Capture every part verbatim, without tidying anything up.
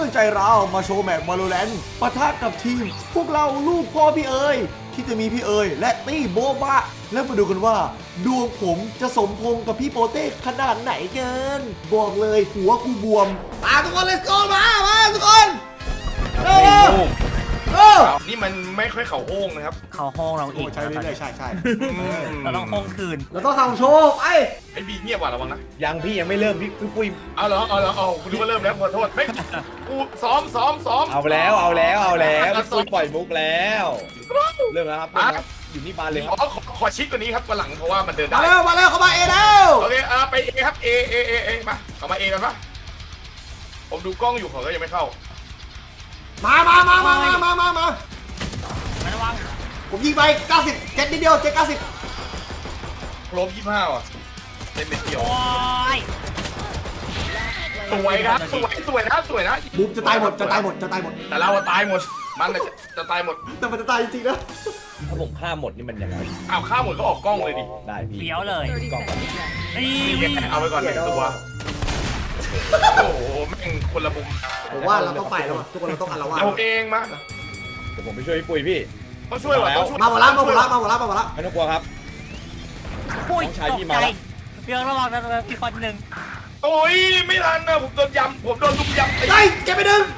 ใจเรามาโชว์แมตช์ Valorant ปะทะกับทีมพวกเราลูกพ่อพี่เอ๋ยที่จะมีพี่เอ๋ยและตี้โบบะแล้วมาดูกันว่าดวงผมจะสมพงกับพี่โปเต้ขนาดไหนเกินบอกเลยหัวกูบวมมาทุกคน let's go มามาทุกคนเออเออนี่มันไม่ค่อยเข่าโค้งนะครับเขาห้องเราอีกใช่เรื่อยๆใช่ใช่เราต้องห้องคืนเราต้องทำโชว์ไอ้ไอ้บีเงียบว่ะระวังนะยังพี่ยังไม่เริ่มพี่พี่ปุ้ยเอาเหรอเอาเหรอเอาคุณรู้ว่าเริ่มแล้วขอโทษไม่กูซ้อมซ้อมซ้อมเอาแล้วเอาแล้วเอาแล้วพี่ปุ้ยปล่อยมุกแล้วเริ่มแล้วครับเริ่มแล้วครับอยู่นี่มาเลยคขรับอขอขอชิดกว่านี้ครับวันหลังเพราะว่ามันเดินมาได้แล้วมาแล้วเขามาเอแล้วโอเคอ่าไปเอครับเอเอเอเอมาเอามาเอกันปะผมดูกล้องอยู่เขาก็ยังไม่เข้ามามามามามามามามาระวังผมยิงไปเก้าสิบเจ็ดนิดเดียวเจ็ดเก้าสิบโครบยี่สิบห้าอ่ะเต็มเม็ดเดียวโอ้ยสวยครับสวยสวยนะสวยนะบุมจะตายหมดจะตายหมดจะตายหมดแต่เราอะตายหมดมันจะจะตายหมดแต่มันจะตายจริงๆนะถ้าผมฆ่าหมดนี่มันยังไงอ้าวข้าหมดก็ออกกล้องเลยดิได้พี่เลี้ยวเลยกล้องก่อนนี่นี่ไงเอาไปก่อนหนึ่งตัวโอ้โหแม่งคนละมุมผมว่าเราต้องไปแล้วอะทุกคนเราต้องอันละว่าเอาเองมาเดี๋ยวผมไปช่วยพี่ปุ้ยพี่ต้องช่วยว่ะต้องช่วยมาหมดละมาหมดละมาหมดละมาหมดละไม่ต้องกลัวครับปุ้ยน้องชายตพี่กมาใจแล้วเพียงระวังนะพี่คนหนึ่งโอ้ยไม่ทันนะผมโดนยำผมโดนลุมยำตีไอ้เก็บไปหนึ่ง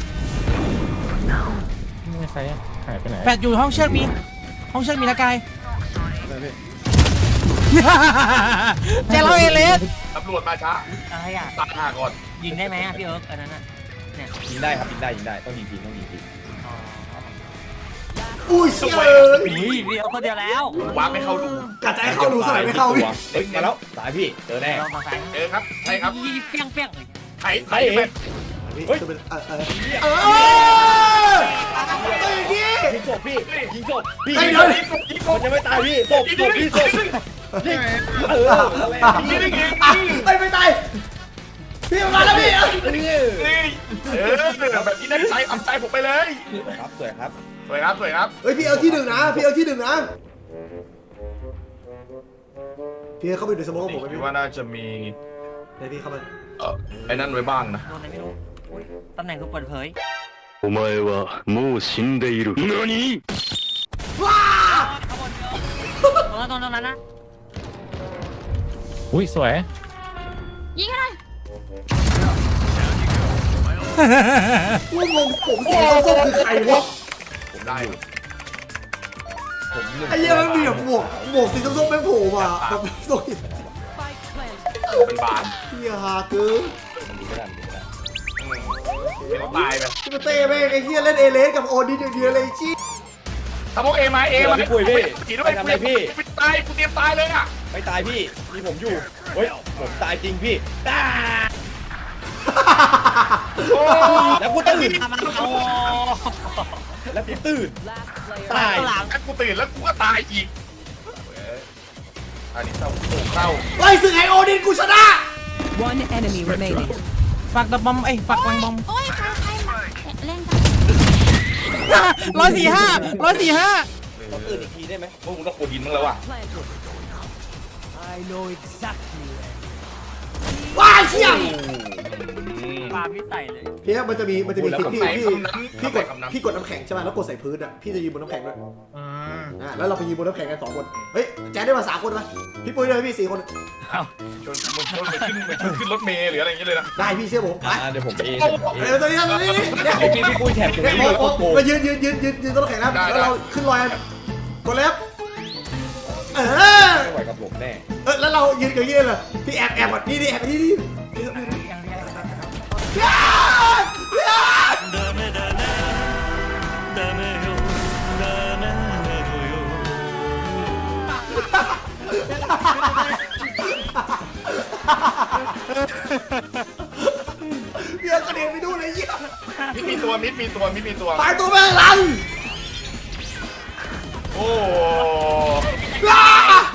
ไม่ใช่หายไปไหนแฟดอยู่ห้องเชือกมีห้องเชือกมีนะกายแจเราเอเลสตำรวจมาช้าอะไรอ่ะตายห่าก่อนยิงได้ไหมอ่ะพี่เอิร์กอันนั้นอ่ะเนี่ยยิงได้ครับยิงได้ยิงได้ต้องยิงทีต้องยิงทีอ๋ออุ้ยเชี่ยอุ้ยพี่เอิร์กคนเดียวแล้วว้าไม่เข้าดูกะจะให้เข้าดูสมัยไม่เข้าพี่เฮ้ยมาแล้วตายพี่เจอแน่ลองมาใส่เออครับใช่ครับยี่เปี้ยงเปี้ยงเลยไถไถไปเฮ้ยเออเออเออเฮ้ยพี่ยิงศพพี่ยิงศพพี่ไอ้ยิงเดี๋ศยวพมันยังไม่ตายพี่ศพศพพี่ศพยิงเออยิงได้ไงไอ้ไม่ตายพี่มาแล้วพี่นี่นี่เออแบบนี้ได้ใจทำใจผมไปเลยครับสวยครับสวยครับสวยครับเฮ้ยพี่เอาที่หนึ่งนะพี่เอาที่หนึ่งนะพี่เข้าไปดูสมองผมไหมคิดพี่ว่าน่าจะมีไหนพี่เข้ามาเออไอ้นั่นไว้บ้างนะโดนอะไรไม่รู้อุ๊ยตำแหน่งคือเปิดเผยお前はもう死んでいる。何？ ว้าข้างบนเยอะตรงนั้นตรงนั้นนะอุ้ยสวยยิงให้หน่อยว่างงผมสีส้มๆคือใครวะผมได้ผมหนึ่งไอ้เหี้ยมันมีแบบหมวกหมวกสีส้มๆไม่โผล่มาแบบสวยเป็นบานเฮียฮาเกินดูไม่ได้ดูไม่ได้เดี๋ยวตายไปที่มาเต้แม่งไอ้เฮียเล่นเอเลสกับโอดินอย่างเดียวเลยชี้ทำโมเอมาเอมาพี่ปุ้ยพี่ขี่ด้วยกูตายกูเตรียมตายเลยอ่ะไม่ตายพี่มีผมอยู่เฮ้ยผมตายจริงพี่ตายโอ้แล้วกูตื่นมามาเอาแล้วกูตื่นตายหลังกูตื่นแล้วกูก็ตายอีกอันนี้เศร้าเศร้าไล่สึกไอโอดินกูชนะ One enemy remaining. ฝากดับบอมไอ้ยฝากวางบอมโอ้ยใครใครมาเล่นกันร้อยสี่ห้าร้อยสี่ห้าเราตื่นอีกทีได้ไหมพวกมึงต้องปูหินมึงแล้วว่ะว้ายเชี่ยปาพี่ใส่เลยพี่มันจะมีมันจะมีคลิปพี่ไหนพี่คำนั้นพี่กดคำนั้นพี่กดน้ำแข็งใช่ไหมแล้วกดใส่พื้นอ่ะพี่จะยืนบนน้ำแข็งด้วยอ่าแล้วเราไปยืนบนน้ำแข็งกันสองคนเฮ้ยแจ๊ดได้มาสามคนไหมพี่ปุ้ยด้วยพี่สี่คนชนมันชนมันขึ้นมันชนขึ้นรถเมล์หรืออะไรอย่างเงี้ยเลยนะได้พี่เชื่อผมไปอ่าเดี๋ยวผมไปเองเออตัวนี้ตัวนี้เนี่ยเมื่อกี้พี่ปุ้ยแท็บตรงเนี่ยนี้โอ้เลยโหโอ้โหมายืนยืนยืนยืนยืนต้นแข็งแล้วแล้วเราขึ้นลอยกดเล็บเออไม่ไหวกับผมแน่เออแล้วเรายืนกันยืนเลยพี่แอบแอบก่อนนี่นี่แอบนี่นี่เดี๋ยวกระเด็นไปดูเลยเยี่ยมิดมีตัวมิดมีตัวมิดมีตัวตายตัวแม่งลังโอ้ว้า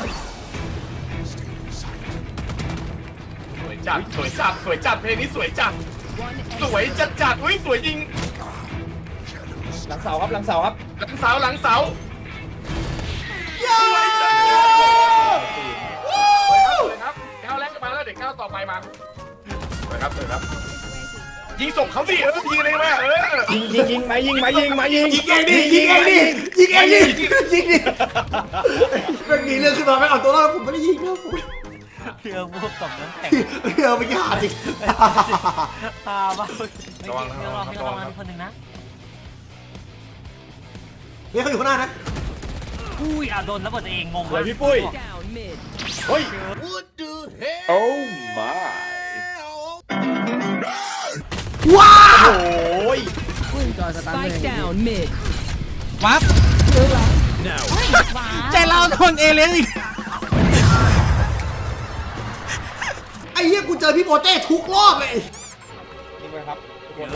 สวยจัดสวยจัดสวยจัดเพลงนี้สวยจัดสวยจัดจัดอุ้ยสวยจริงหลังเสาครับหลังเสาครับหลังเสาหลังเสาย่าสวยจัดสวยครับสวยครับก้าวแรกมาแล้วเดี๋ยวก้าวต่อไปมาสวยครับสวยครับยิงศพเขาดิเออยิงเลยแม่เออยิงยิงยิงมายิงมายิงมายิงยิงเองดิยิงเองดิยิงเองดิยิงดิมันมีเรื่องขึ้นมาไม่เอาตัวรอดผมไม่ได้ยิงนะผมเรือพวกกับน้ำแข็งเรือไปกี่หาจริงตาบ้าระวังระวังระวังคนหนึ่งนะเนี่ยเขาอยู่ข้างหน้านะอุ้ยอ่ะโดนระเบิดตัวเองงงสวยพี่ปุ้ย Down mid. เฮ้ยโอ้ my ว้าโอ้ย Spike down mid. วับใจเราโดนเอเลนอีกไอ้เหี้ยกูเจอพี่โปเต้ทุกรอบเลยนี่ไปครับทุกคน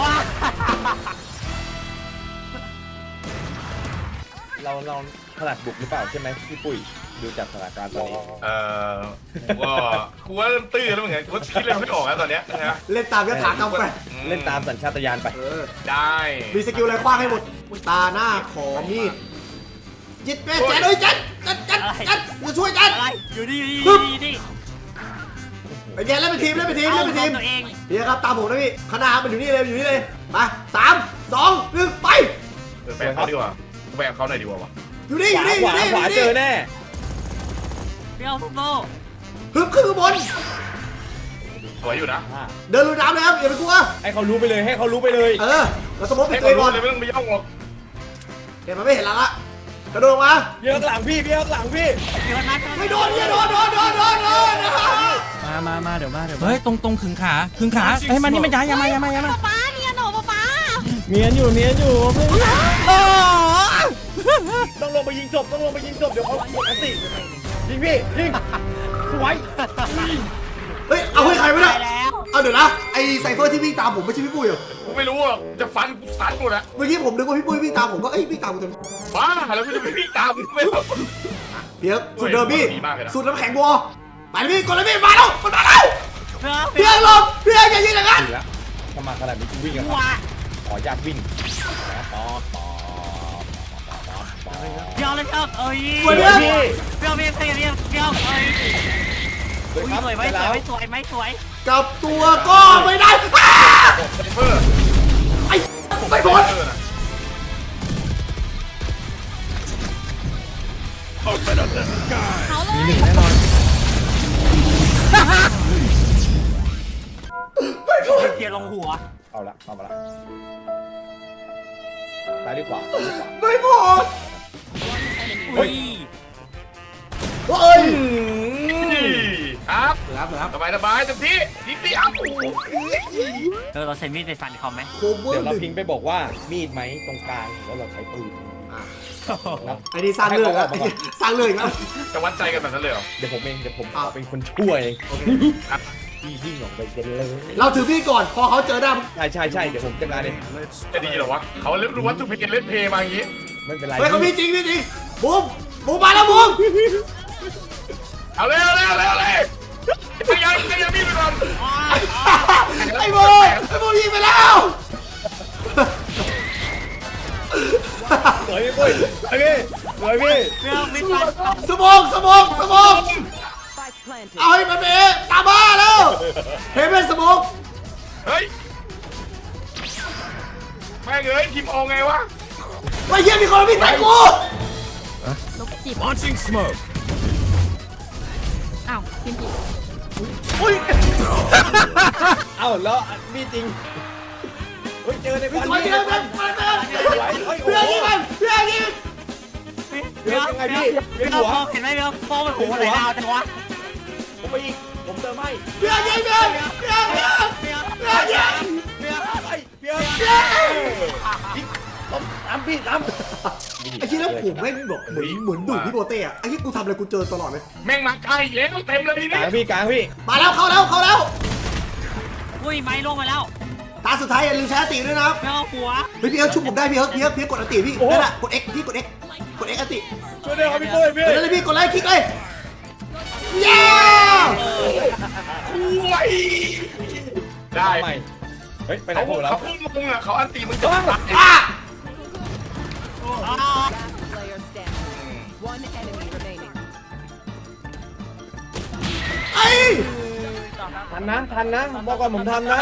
เราเราถนัดบุกหรือเปล่าใช่ไหมพี่ปุ้ยดูจากสถานการณ์ตอนนี้เออกูก็กูว่าเริ่มตื้อแล้วเหมือนกันกูคิดอะไรไม่ออกแล้วตอนเนี้ยนะฮะเล่นตามยถากรรมไปเล่นตามสัญชาตญาณไปเออได้มีสกิลอะไรคว้างให้หมดตาหน้าขอมีดยิดแม่แจ๊ดเอ้ยแจ๊ดแจ๊ดแจ๊ดแจ๊ดมาช่วยแจ๊ดอะไรอยู่นี่อยู่นี่อยู่นี่นี่ไปแจ๊ดเล่นเป็นทีมเล่นเป็นทีมเอาเล่นเป็นทีมตัวเองเดี๋ยวครับตามผมนะพี่คณะมันอยู่นี่เลยอยู่นี่เลยมาสามสองหนึ่งไปเออแบกเขาดีกว่าแบกเขาหน่อยดีกว่าวะอยู่นี่ขอยู่วานี่อขวายู่นี่ขวาเจอแน่เปรี้ยวโซ่ฮึบขึ้นข้างบนสวยอยู่นะเดินลุยน้ำเลยครับอย่าไปกลัวให้เขารู้ไปเลยให้เขารู้ไปเลยเออเราสมมติให้เป็นเขาตัวก่อนรู้เลยไม่ต้องไปย่องหรอกเห็นมันไม่เห็นแล้วละกระโดดมาเยอะหลังพี่พี่เยอะหลังพี่เดี๋ยวนะไม่โดนอย่าโดนโดนโดนโดนโดนนะมามามาเดี๋ยวมาเดี๋ยวมาเฮ้ยตรงตรงขึงขาขึงขาเฮ้ยมันนี่มันย้ายยามาย้ายมาย้ายมาป๊าเนี่ยหนูป๊าป๊าเมียนอยู่เมียนอยู่เพื่อนโอ้ต้องลงไปยิงศพต้องลงไปยิงศพเดี๋ยวเขาหมดอันติยิงพี่ยิงสวยเฮ้ยเอาให้ใครไม่ได้ไปแล้วเอาเดี๋ยวนะไอไซเฟอร์ที่วิ่งตามผมไม่ใช่พี่ปุ้ยเหรอกูไม่รู้อ่ะจะฟันกูสันหมดอะเมื่อกี้ผมนึกว่าพี่ปุ้ยวิ่งตามผมก็เอ้ยวิ่งตามกูเต็มบ้าแล้วกูจะไปวิ่งตามไม่รู้เดี๋ยวสุดเดิมพี่ดีมากเลยนะสุดน้ำแข็งบัวไปเลยพี่กดเลยพี่มาแล้วมันมาแล้วเปรี้ยวเปพี่รี้ยวเองลงพี่เองอย่ายิงอย่างนั้นดีแล้วถ้ามาขนาดนี้กูวิ่งกันว้าขออนุญาตวิ่งป๊อปป๊อปเปรี้ยวเลยเปรี้ยวเอ้ยสวยเปพี่รี้ยวเปรี้ยวเปรี้ยวเปรี้ยวเปรี้ยวเอ้ยสวยอุ้ยครับสวยไหมได้สแล้ววยไหมสวยไหมสวยกลับตัวก็ไม่ได้อ้าไซเฟอร์ไอ้ไม่พ้นเออนะเขาเลยมีหนึ่งแน่นอนเทียร์ลงหัวเอาละเอามาละซ้ายหรือขวาซ้ายหรือขวาไม่พ้นอุ้ยเฮ้ยครับครับครับสบายสบายเต็มที่นิดเดียวเออเราใช้มีดไปฟันเขาไหมโคเวอเดี๋ยวร์หเรานึ่งพิงไปบอกว่ามีดไหมตรงกลางแล้วเราใช้ปืนอ่ะนะไอ้นี่สร้างเรื่องแล้วสร้างเรื่องอีกแล้วจะวัดใจกันแบบนั้นเลยเหรอเดี๋ยวผมเองเดี๋ยวผมอ่ะเป็นคนช่วยเองโอเคพี่ยิ่งออกไปกันเลยเราถือพี่ก่อนพอเขาเจอหน้าใช่ใช่ใช่เดี๋ยวผมจัดการเองจะดีเหรอวะเขาเล่นรู้ว่าทุกเพลงเล่นเพลงมาอย่างงี้ไม่เป็นไรเฮ้ยเขาพี่จริงพี่จริงบูมบูมมาแล้วบูมเอาเลยเอาเลยเอาเลยเอาเลยพยายามพยายามมีดไปก่อนไอ้บูมไอ้บูมยิงไปแล้วสวยพี่ปุ้ยสวยพี่สวยพี่เปรี้ยวไม่ฟันเขาสมองสมองสมอง Spike planted. เอาให้มันเอะตามบ้าแล้วเฮ้ยเป็นสมองเฮ้ยแม่งเอ้ยทีมออกไงวะไอ้เหี้ยมีคนมาพี่ใส่กูลูกจิบ launching smoke อ้าวกินจิบเอ้าแล้วมีดจริงเฮ้ยเจอในพี่วันสวยนี้เพื่อนเพื่อนเพื่อนเพื่อนยิงมันเพื่อนยิงเปรี้ยวเปรี้ยวเปรี้ยวเปรี้ยวมองเห็นไหมเปรี้ยวมองมันหัวไหลดาวจังวะผมไปอีกผมเติมให้เพื่อนยิงเพื่อนเพื่อนเพื่อนเปรี้ยวเพื่อนยิงเปรี้ยวไปเพียร์ยิงผมตามพี่ตามไอ้ที่แล้วผมแม่งแบบเหมือนเหมือนดูดพี่โบเต้อะไอ้ที่กูทำอะไรกูเจอตลอดเลยแม่งมาใกล้แล้วเต็มเลยทีกลานี้งพี่กลางพี่มาแล้วเข้าแล้วเข้าแล้วอุ้ยไม้ลงมาแล้วตาสุดท้ายอย่าลืมใช้อติด้วยนะครับเปรี้ยวหัวเฮ้ยพี่เอิร์ธชุบผมได้พี่เอิร์ธพี่เอิร์ธพี่เอิร์ธกดอติพี่นั่นแหละกด X พี่กด X กด X อติช่วยด้วยครับพี่ปุ้ยพี่กดเลยพี่กดเลยคลิกเลยเย้คุยได้ใหม่เฮ้ยไปไหนเขาผมแล้วเขาพุ่งมึงอ่ะเขาอันตีมึงจะตายอ่ะ Player standing. One enemy remaining. ไอ้ทันนะทันนะบอกก่อนผมทันนะ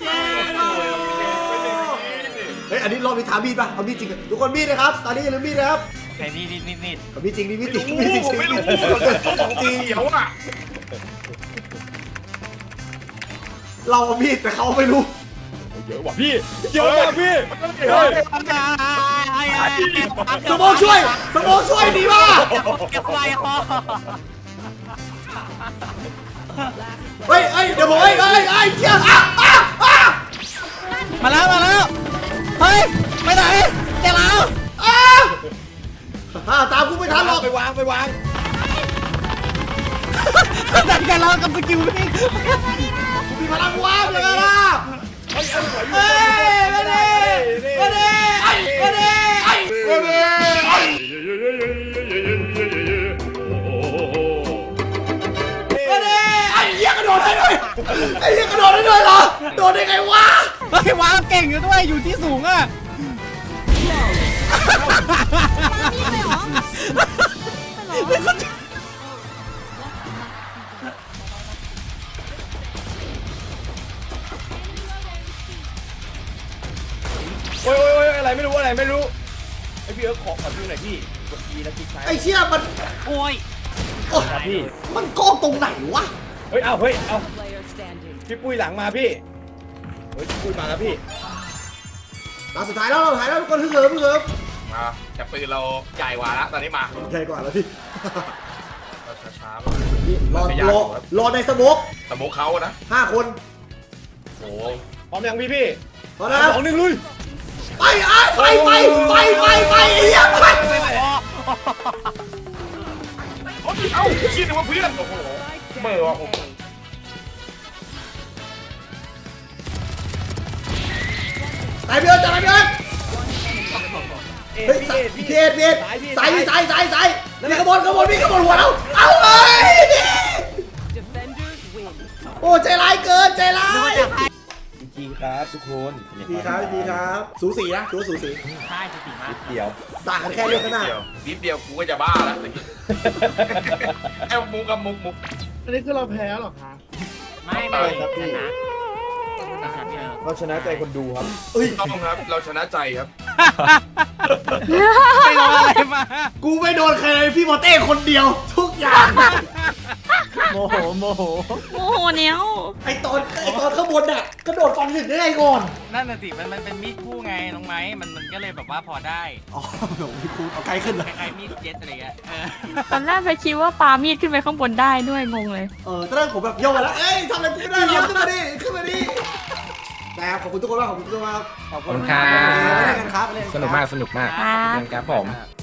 เฮ้ยอันนี้รอบนี้ถามมีดป่ะเอามีดจริงอะทุกคนมีดนะครับตอนนี้อย่าลืมมีดนะครับไอ้นี่นี่นี่นี่เอามีดจริงนี่มีดจริงโอ้มีดจริงผมไม่รู้มีดจริงของจริงเขียวอ่ะเราเอามีดแต่เขาไม่รู้เยอะว่ะพี่เยอะว่ะพี่เฮ้ยสมองช่วยสมองช่วยดีมากเก็บไว้คอเฮ้ยเฮ้ยเดี๋ยวผมเฮ้ยเฮ้ยเฮ้ยเชี่ยอ่ะอ่ะอ่ะมาแล้วมาแล้วเฮ้ยไปไหนเจ้าเราอ่ะอ่ะตามกูไม่ทันหรอกไปวางไปวางจัดการเรากับสกิลวิ่งกูมีพลังว้าวเลยนะเฮ้ยเอาสวยอยู่เฮ้ยมาดิมาดิไอ้มาดิไอ้มาดิไอ้มาดิไอ้เหี้ยกระโดดได้ด้วยไอ้เหี้ยกระโดดได้ด้วยเหรอโดดได้ไงวะเฮ้ยวางเก่งอยู่ด้วยอยู่ที่สูงอ่ะโอ้ยโอ้ยโอ้ยอะไรไม่รู้อะไรไม่รู้ไอพี่เอิร์ธขอขอดูหน่อยพี่กด E แล้วคลิกซ้ายไอ้เชี่ยมันโอ้ยโอ๊ยครับพี่มันโกงตรงไหนวะเฮ้ยเอาเฮ้ยเอา Player standing. พี่ปุ้ยหลังมาพี่เฮ้ยพี่ปุ้ยมาแล้วพี่ตาสุดท้ายแล้วเราถ่ายแล้วทุกคนฮึ่งเหิมฮึ่งเหิมมาแต่ปืนเราใหญ่กว่าละตอนนี้มาใหญ่กว่าแล้วพี่เราช้าๆรอรอรอในสโมกสมมุติเขานะห้าคนโอ้พร้อมยังพี่พี่พอแล้วสองหนึ่งลุยไปไอ้ไปไปไปไปไปไอ้เหี้ยไปโอ้ยเอ้าคิดว่าเพื่อนโอ้โหเมื่อวะผมตายเบี้ยตายเบี้ยเอ็เฮ้ยพี่สายเอ็ดพี่พี่เอ็ดพี่เอ็ดซ้ายพี่สายสายสายสายนี่ขบวนขบวนพี่ขบวนหัวเราเอาเลย Defenders win. โอ้ใจร้ายเกินใจร้ายจริงครับทุกคนดีครับดีครับสูสีนะถือว่าสูสีใช่จะสีมากเดี๋ยวต่างกันแค่เรื่องข้างหน้าเดียวนิดเดียวกูก็จะบ้าแล้วตะกี้ไอ้มุกกับมุกมุกอันนี้คือเราแพ้หรอคะไม่ไม่ชนะชนะเราชนะใจคนดูครับเอ้ยต้องครับเราชนะใจครับไปรออะไรมากูไม่โดนใครเลยพี่โมเต้คนเดียวทุกอย่างโมโหโมโหโอ้โหเนี้ยวไอตอนไอตอนข้างบนน่ะกระโดดฟันถึงได้ไงก่อนนั่นน่ะสิมันมันเป็นมีดคู่ไงน้องไม้มันมันก็เลยแบบว่าพอได้อ๋อเดี๋ยวพี่คูเอาไกลขึ้นเลยคล้ายๆมีดเจ็ตอะไรเงี้ยเออตอนแรกไปคิดว่าปามีดขึ้นไปข้างบนได้ด้วยงงเลยเออตอนแรกผมแบบโยกไปแล้ว เอ้ยทำอะไรกูไม่ได้หรอกขึ้นมาดิ ขึ้นมาดิแต่ขอบคุณทุกคนมากขอบคุณทุกคนมากขอบคุณไม่ได้กันครับสนุกมากสนุกมากครับเล่นครับผม